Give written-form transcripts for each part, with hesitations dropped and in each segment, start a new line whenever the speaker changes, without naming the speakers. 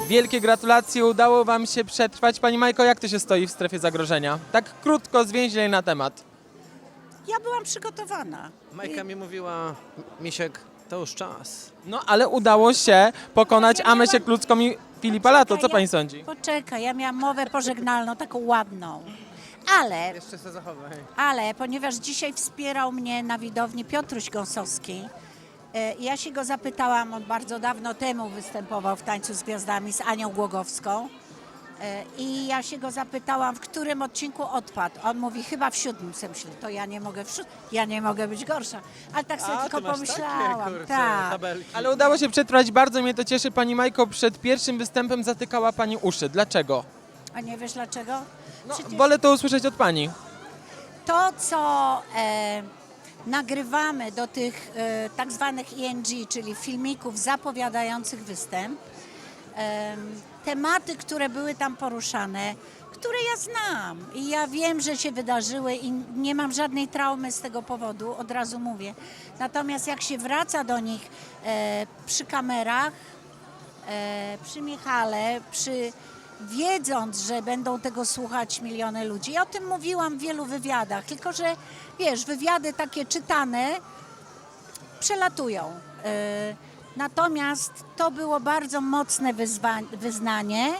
Wielkie gratulacje, udało wam się przetrwać. Pani Majko, jak to się stoi w strefie zagrożenia? Tak krótko, zwięźlej na temat.
Ja byłam przygotowana.
Majka mi mówiła, Misiek, to już czas.
No ale udało się pokonać
Ja miałam-
Amesię Klucką i Filipa Lato. Co
Poczekaj,
pani sądzi?
Poczekaj, ja miałam mowę pożegnalną, taką ładną.
Jeszcze się zachowaj.
Ale ponieważ dzisiaj wspierał mnie na widowni Piotruś Gąsowski, ja się go zapytałam, on bardzo dawno temu występował w Tańcu z Gwiazdami z Anią Głogowską i ja się go zapytałam, w którym odcinku odpadł. On mówi, chyba w 7. Sobie myślę, to ja nie mogę być gorsza. Ale tak sobie tylko pomyślałam. Tak.
Ale udało się przetrwać, bardzo mnie to cieszy. Pani Majko, przed pierwszym występem zatykała pani uszy. Dlaczego?
A nie wiesz dlaczego?
No,
Przecież
wolę to usłyszeć od pani.
to, co nagrywamy do tych tak zwanych ENG, czyli filmików zapowiadających występ, tematy, które były tam poruszane, które ja znam i ja wiem, że się wydarzyły i nie mam żadnej traumy z tego powodu, od razu mówię. Natomiast jak się wraca do nich przy kamerach, przy Michale, wiedząc, że będą tego słuchać miliony ludzi. Ja o tym mówiłam w wielu wywiadach, tylko że wiesz, wywiady takie czytane przelatują. Natomiast to było bardzo mocne wyznanie,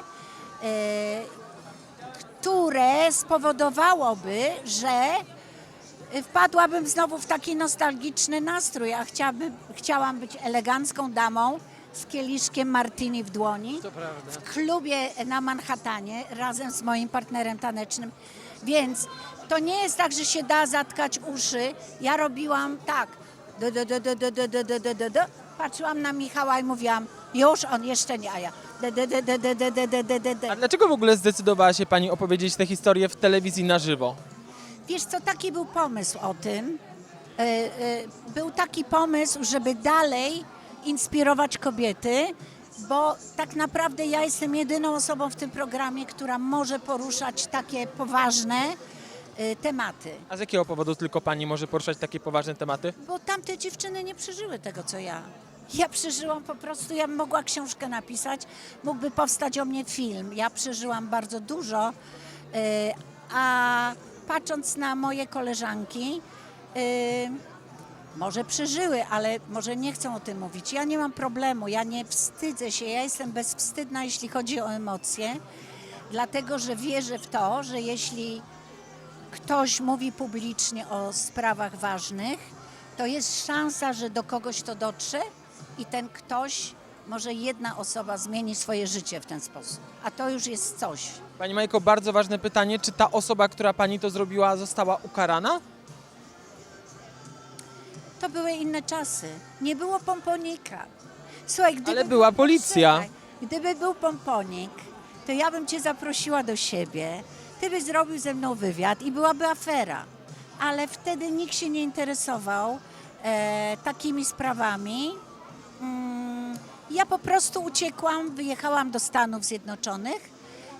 które spowodowałoby, że wpadłabym znowu w taki nostalgiczny nastrój, a chciałam być elegancką damą z kieliszkiem martini w dłoni
To prawda.
w klubie na Manhattanie razem z moim partnerem tanecznym. Więc to nie jest tak, że się da zatkać uszy. Ja robiłam tak. Patrzyłam na Michała i mówiłam, już on jeszcze nie, a ja.
A dlaczego w ogóle zdecydowała się pani opowiedzieć tę historię w telewizji na żywo?
Wiesz co, taki był pomysł o tym. Był taki pomysł, żeby dalej inspirować kobiety, bo tak naprawdę ja jestem jedyną osobą w tym programie, która może poruszać takie poważne tematy.
A z jakiego powodu tylko pani może poruszać takie poważne tematy?
Bo tamte dziewczyny nie przeżyły tego, co ja. Ja przeżyłam po prostu, ja bym mogła książkę napisać, mógłby powstać o mnie film. Ja przeżyłam bardzo dużo, a patrząc na moje koleżanki, może przeżyły, ale może nie chcą o tym mówić. Ja nie mam problemu, ja nie wstydzę się, ja jestem bezwstydna, jeśli chodzi o emocje, dlatego że wierzę w to, że jeśli ktoś mówi publicznie o sprawach ważnych, to jest szansa, że do kogoś to dotrze i ten ktoś, może jedna osoba zmieni swoje życie w ten sposób. A to już jest coś.
Pani Majko, bardzo ważne pytanie, czy ta osoba, która pani to zrobiła, została ukarana?
To były inne czasy. Nie było pomponika. Słuchaj,
Ale była policja.
Słuchaj, gdyby był pomponik, to ja bym cię zaprosiła do siebie, ty byś zrobił ze mną wywiad i byłaby afera. Ale wtedy nikt się nie interesował takimi sprawami. Ja po prostu uciekłam, wyjechałam do Stanów Zjednoczonych,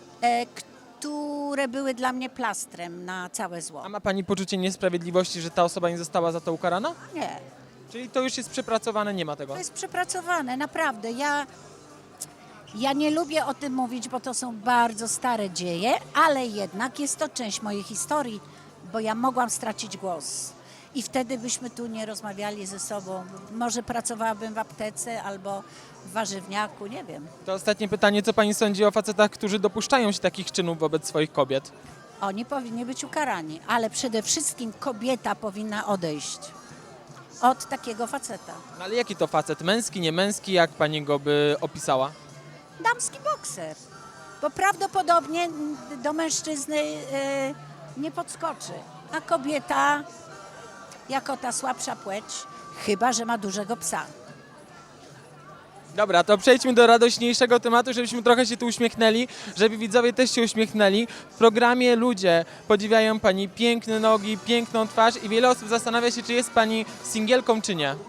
które były dla mnie plastrem na całe zło.
A ma pani poczucie niesprawiedliwości, że ta osoba nie została za to ukarana?
Nie,
Czyli to już jest przepracowane, nie ma tego?
to jest przepracowane, naprawdę. Ja nie lubię o tym mówić, bo to są bardzo stare dzieje, ale jednak jest to część mojej historii, bo ja mogłam stracić głos. I wtedy byśmy tu nie rozmawiali ze sobą. Może pracowałabym w aptece albo w warzywniaku, nie wiem.
To ostatnie pytanie, co pani sądzi o facetach, którzy dopuszczają się takich czynów wobec swoich kobiet?
Oni powinni być ukarani, ale przede wszystkim kobieta powinna odejść od takiego faceta.
No ale jaki to facet? Męski, nie męski? Jak pani go by opisała?
Damski bokser, bo prawdopodobnie do mężczyzny nie podskoczy, a kobieta jako ta słabsza płeć, chyba że ma dużego psa.
Dobra, to przejdźmy do radośniejszego tematu, żebyśmy trochę się tu uśmiechnęli, żeby widzowie też się uśmiechnęli. W programie ludzie podziwiają pani piękne nogi, piękną twarz i wiele osób zastanawia się, czy jest pani singielką, czy nie.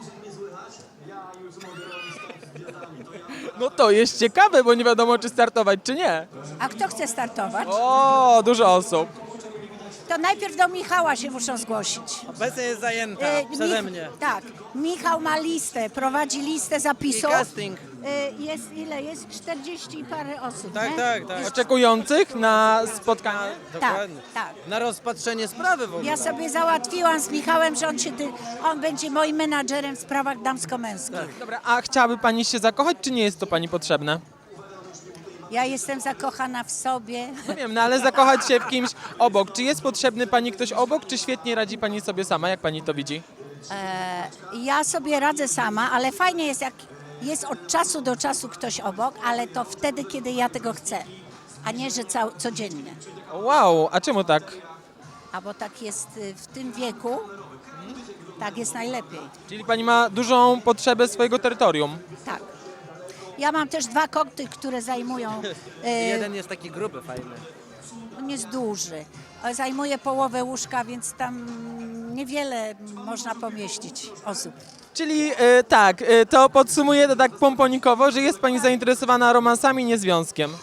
No to jest ciekawe, bo nie wiadomo, czy startować, czy nie.
A kto chce startować?
O, dużo osób.
to najpierw do Michała się muszą zgłosić.
Obecnie jest zajęta przeze mnie.
Tak, Michał ma listę, prowadzi listę
I
zapisów.
casting.
Jest ile? Jest 40 i parę osób,
Tak,
nie?
tak, tak.
Oczekujących na spotkanie?
Dokładnie.
tak.
Na rozpatrzenie sprawy w ogóle.
Ja sobie załatwiłam z Michałem, że on będzie moim menadżerem w sprawach damsko-męskich.
Dobra, a chciałaby pani się zakochać, czy nie jest to pani potrzebne?
Ja jestem zakochana w sobie.
No wiem, no ale zakochać się w kimś obok. Czy jest potrzebny pani ktoś obok, czy świetnie radzi pani sobie sama? Jak pani to widzi?
Ja sobie radzę sama, ale fajnie jest, jak jest od czasu do czasu ktoś obok, ale to wtedy, kiedy ja tego chcę, a nie, że codziennie.
Wow, a czemu tak?
A bo tak jest w tym wieku, tak jest najlepiej.
Czyli pani ma dużą potrzebę swojego terytorium.
Tak. Ja mam też 2 koty, które zajmują,
Jeden jest taki gruby, fajny.
on jest duży, zajmuje połowę łóżka, więc tam niewiele można pomieścić osób.
Czyli tak, to podsumuję to tak pomponikowo, że jest pani zainteresowana romansami, nie związkiem.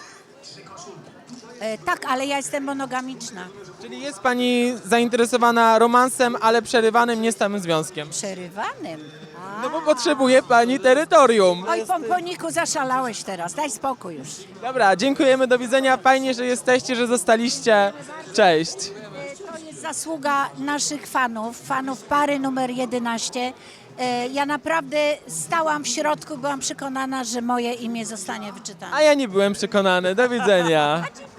Tak, ale ja jestem monogamiczna.
Czyli jest pani zainteresowana romansem, ale przerywanym, nie stałym związkiem.
Przerywanym.
No bo potrzebuje pani terytorium.
Oj, pomponiku, zaszalałeś teraz, daj spokój już.
Dobra, dziękujemy, do widzenia. Fajnie, że jesteście, że zostaliście. Cześć.
To jest zasługa naszych fanów pary numer 11. Ja naprawdę stałam w środku, byłam przekonana, że moje imię zostanie wyczytane.
A ja nie byłem przekonany. Do widzenia.